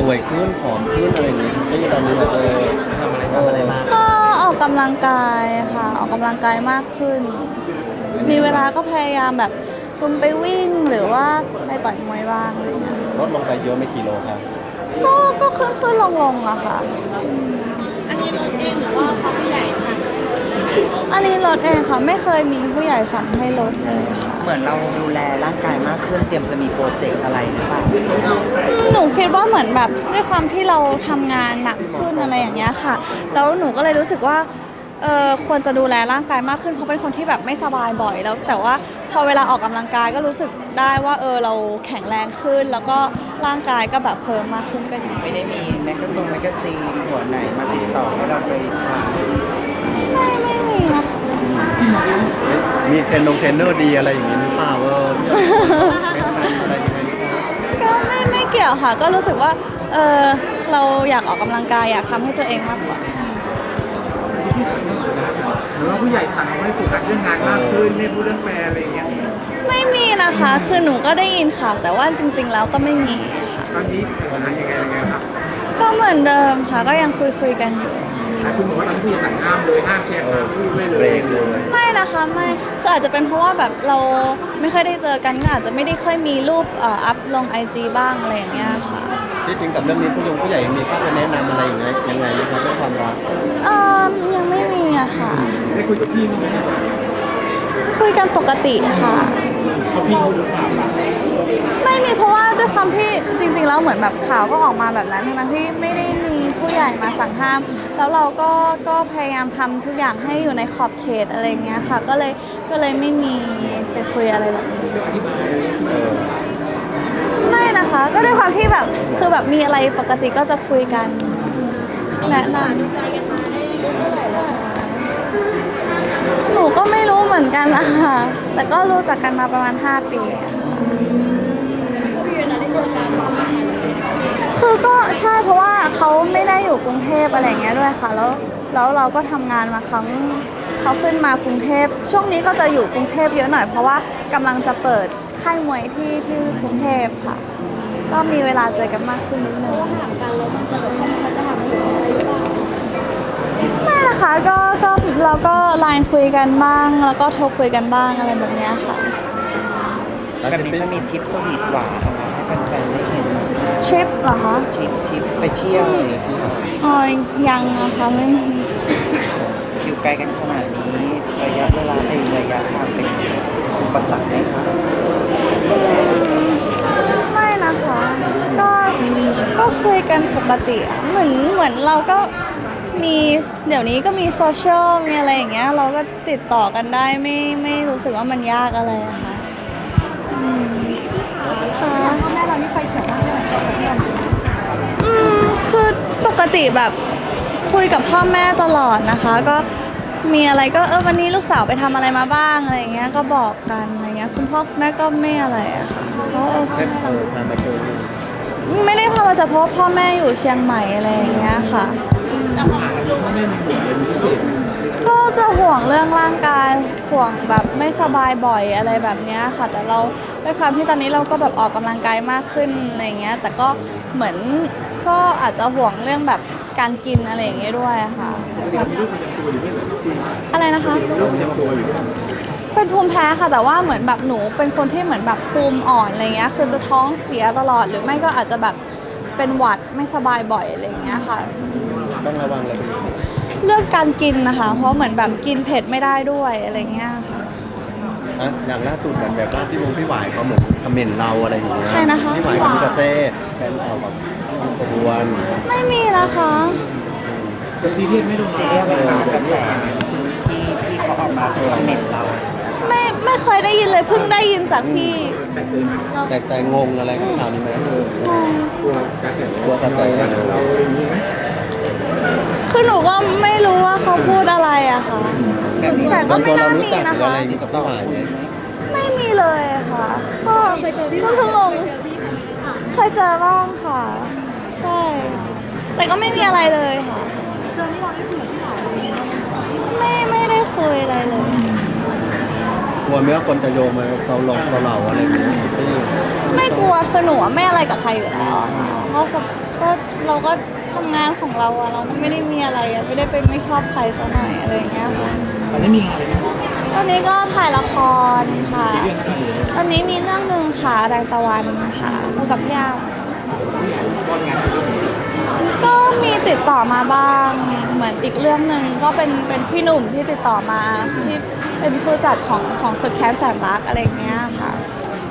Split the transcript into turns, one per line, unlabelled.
วยขึ้นผอมขึ้นอะไรอย่างนี้ไม่ใช่ตอนนี้แบบทำอะไรบ้าง
ก็ออกกำลังกายค่ะออกกำลังกายมากขึ้น มีเวลาก็พยายามแบบทุนไปวิ่งหรือว่าไปต่อยมวยบ้างอะไรเงี้ย
ลดลงไปเยอะไม่กี่โลครับ
ก็ขึ้นลงอะค่ะ
อันนี้ลดเองหรือว่าเขาผู้ใหญ่สั่ง
อันนี้ลดเองค่ะไม่เคยมีผู้ใหญ่สั่งให้ลดเลยค่ะ
เหมือนเราดูแลร่างกายมากขึ้นเตรียมจะมีโปรเจกต์อะไรหรือเปล่า
หนูคิดว่าเหมือนแบบด้วยความที่เราทำงานหนักขึ้นอะไรอย่างเงี้ยค่ะแล้วหนูก็เลยรู้สึกว่าควรจะดูแลร่างกายมากขึ้นเพราะเป็นคนที่แบบไม่สบายบ่อยแล้วแต่ว่าพอเวลาออกกำลังกายก็รู้สึกได้ว่าเราแข็งแรงขึ้นแล้วก็ร่างกายก็แบบเฟิร์มมากขึ้นก็ดี
ไม่ได้มีแมกกาซีนหัวไหนมาติดต่อให้เราไปถ่าย
ไม่มีนะคะ
มีเทรนเนอร์ดีอะไรอย่างนี้หรือเปล่าพี่อะไรยังไงหรือเปล่า
ก็ไม่เกี่ยวค่ะก็รู้สึกว่าเราอยากออกกำลังกายอยากทำให้ตัวเองมากกว่า
หรือว่าผู้ใหญ่สั่งให้โฟกัสเรื่องงานมากขึ้นไม่พูดเรื่องแฟนอะไรอย่างเงี้ย
ไม่มีนะคะคือหนูก็ได้ยินข่าวแต่ว่าจริงๆแล้วก็ไม่มีค่ะ
ตอนนี้สถานะยังไงครับ
ก็เหมือนเดิมค่ะก็ยังคุยกันอยู่
คุณบอกว่าตอนนี้ผู้ใหญ่สั่งห้ามเลยห้ามแชร์ห้ามพูดไม่เลย
ไม่นะคะไม่คืออาจจะเป็นเพราะว่าแบบเราไม่ค่อยได้เจอกันก็อาจจะไม่ได้ค่อยมีรูปอัพลง IG บ้างอะไรอย่างเงี้ยค่ะ
ที่จริงกับเรื่องนี้ผู้ใหญ่มีข้อแนะนำอะไรอย่างเงี้ยยังไงนะครับเรื่องความรัก
ยังไม่มีอะค่ะ
ได้คุยกับพี่มั้ย
คุยกันปกติค่ะ
เขาพี่เขาหรือเปล่า
ไม่มีเพราะว่าด้วยความที่จริงๆแล้วเหมือนแบบข่าวก็ออกมาแบบนั้นทั้งที่ไม่ได้มีผู้ใหญ่มาสั่งห้ามแล้วเราก็พยายามทำทุกอย่างให้อยู่ในขอบเขตอะไรเงี้ยค่ะก็เลยไม่มีไปคุยอะไรแบบนี้ไม่นะคะก็ด้วยความที่แบบคือแบบมีอะไรปกติก็จะคุยกันแนะนำ
ดูใจกันมาได้เท่าไหร่แล้ว
หนูก็ไม่รู้เหมือนกันนะคะแต่ก็รู้จักกันมาประมาณ5 ปีคือก็ใช่เพราะว่าเขาไม่ได้อยู่กรุงเทพอะไรเงี้ยด้วยค่ะแล้วเราก็ทำงานมาครั้งเขาขึ้นมากรุงเทพช่วงนี้ก็จะอยู่กรุงเทพเยอะหน่อยเพราะว่ากำลังจะเปิดค่ายมวยที่กรุงเทพค่ะก็มีเวลาเจอกันมากขึ้นนิดนึง
ห่างกันแล้วมันจะแบบมันจะทำให้อะไรหรือเปล่า
ไม่นะคะก็เราก็ไลน์คุยกันบ้างแล้วก็โทรคุยกันบ้างอะไรแบบนี้ค่ะ
แบบนี้จะมีทริปสวีทหวานออกมาให้แฟนๆได้เห็น
ทริปเหรอคะ
ทริปไปเที่ยวอะไรอย่างเงี้ย
ยังนะคะไม่
อยู่ไกลกันขนาดนี้ระยะเวลาระยะทางเป็นอุปสรรคไหมคะ
ไม่นะคะก็คุยกันปกติเหมือนเราก็มีเดี๋ยวนี้ก็มีโซเชียลมีอะไรอย่างเงี้ยเราก็ติดต่อกันได้ไม่รู้สึกว่ามันยากอะไรอะค่ะ
พ่อแม่เรานี่ไฟเขียวมากเลย
คือปกติแบบคุยกับพ่อแม่ตลอดนะคะก็มีอะไรก็วันนี้ลูกสาวไปทำอะไรมาบ้างอะไรอย่างเงี้ยก็บอกกันอะไรเงี้ยคุณพ่อแม่ก็ไม่อะไรอะค่ะไม่ได้พามาจากเพราะพ่อแม่อยู่เชียงใหม่อะไรอย่างเงี้ยค่ะก็จะห่วงเรื่องร่างกายห่วงแบบไม่สบายบ่อยอะไรแบบนี้ค่ะแต่เราด้วยความที่ตอนนี้เราก็แบบออกกำลังกายมากขึ้นอะไรเงี้ยแต่ก็เหมือนก็อาจจะห่วงเรื่องแบบการกินอะไรอย่างเงี้ยด้วยค่ะอะไรนะคะเป็นภูมิแพ้ค่ะแต่ว่าเหมือนแบบหนูเป็นคนที่เหมือนแบบภูมิอ่อนอะไรเงี้ยคือจะท้องเสียตลอดหรือไม่ก็อาจจะแบบเป็นหวัดไม่สบายบ่อยอะไรเงี้ยค่ะ
ต้องระวังอะไรเป็นพิเศษ
เรื่องการกินนะคะเพราะเหมือนแบบกินเผ็ดไม่ได้ด้วยอะไรเงี้ยค่ะ
อย่างล่าสุดเหมือนแบบว่าพี่หวายเขาเหมือนคอมเมนต์เราอะไรอย่างเงี้ย
ใช่นะคะ
พี่หวายกับพี่กาเซ่แฟนเอาแบบขบวน
ไม่มีนะคะ
เป็นซีเรียสไม่ดู
ซีเรียสไม่ตามกระแสที่เขาออกมาคอมเมนต์เรา
ไม่เคยได้ยินเลยเพิ่งได้ยินจากพี่
แปลกใจงงอะไรกับข่าวนี้ไหม
กลัวกระแสเราอย่างนี้ไหม
คือหนูก็ไม่รู้ว่าเขาพูดอะไรอะค่ะแต่ก็ไม่น่ามีนะคะไม่มีเลยค่ะก็
เคยเจอพี่
เพิ่งลงเคยเจอบ้างค่ะใช่แต่ก็ไม่มีอะไรเลยค่ะ
เจอที่เราได้คุยกับพี่หวาน
ไม่ได้คุยอะไรเลย
กลัวไหมว่าคนจะโยงมาเราอะไรอย่างเงี้ย
ไม่กลัวคือหนูอะไม่อะไรกับใครอยู่แล้วอะค่ะเพราะก็เราก็ทำงานของเราอะเราก็ไม่ได้มีอะไรอะไม่ได้ไปไม่ชอบใครซะหน่อยอะไรอย่างเงี้ยค่ะ
ตอนนี้มีงานอะไรไหม
ตอนนี้ก็ถ่ายละครค่ะ
เรื่องอะไรเลย
ตอนนี้มีเรื่องหนึ่งค่ะแรงตะวันค่ะคู่กับพี่ยาม
ผู้ใหญ่ป้อนงานเรื่องนี้
ก็มีติดต่อมาบ้างเหมือนอีกเรื่องหนึ่งก็เป็นพี่หนุ่มที่ติดต่อมาที่เป็นผู้จัดของสุดแค้นแสนรักอะไรอย่างเงี้ยค่ะ